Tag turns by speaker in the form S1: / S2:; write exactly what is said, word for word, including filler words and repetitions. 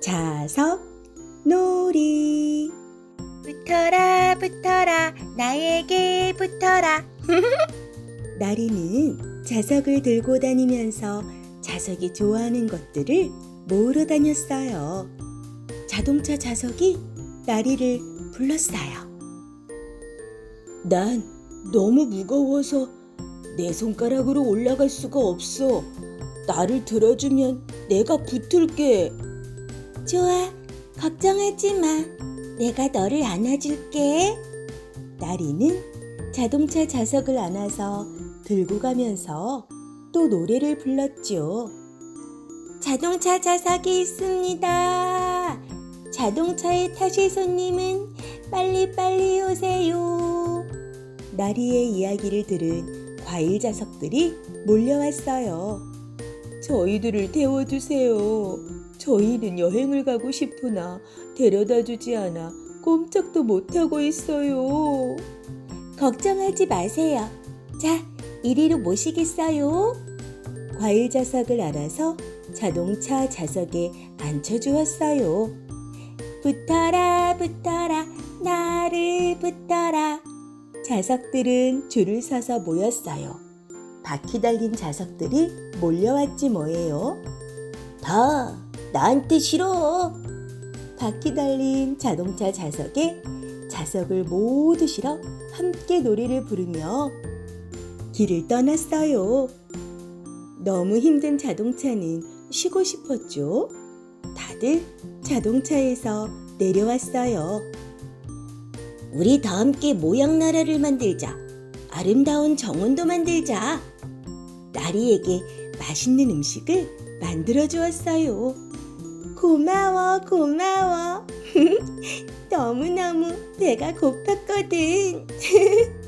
S1: 자석 놀이.
S2: 붙어라 붙어라 나에게 붙어라.
S1: 나리는 자석을 들고 다니면서 자석이 좋아하는 것들을 모으러 다녔어요. 자동차 자석이 나리를 불렀어요. 난 너무 무거워서 내 손가락으로 올라갈 수가 없어. 나를 들어주면 내가 붙을게.
S2: 좋아, 걱정하지 마. 내가 너를 안아줄게.
S1: 나리는 자동차 자석을 안아서 들고 가면서 또 노래를 불렀죠.
S2: 자동차 자석이 있습니다. 자동차에 타실 손님은 빨리빨리 오세요.
S1: 나리의 이야기를 들은 과일 자석들이 몰려왔어요. 저희들을 태워주세요. 저희는 여행을 가고 싶으나 데려다 주지 않아 꼼짝도 못하고 있어요.
S2: 걱정하지 마세요. 자, 이리로 모시겠어요.
S1: 과일 자석을 알아서 자동차 자석에 앉혀주었어요.
S2: 붙어라 붙어라 나를 붙어라.
S1: 자석들은 줄을 서서 모였어요. 바퀴 달린 자석들이 몰려왔지 뭐예요. 다 나한테 실어. 바퀴 달린 자동차 자석에 자석을 모두 실어 함께 노래를 부르며 길을 떠났어요. 너무 힘든 자동차는 쉬고 싶었죠. 다들 자동차에서 내려왔어요.
S2: 우리 다 함께 모양나라를 만들자. 아름다운 정원도 만들자.
S1: 나리에게 맛있는 음식을 만들어 주었어요. 고마워, 고마워. 너무너무 배가 고팠거든.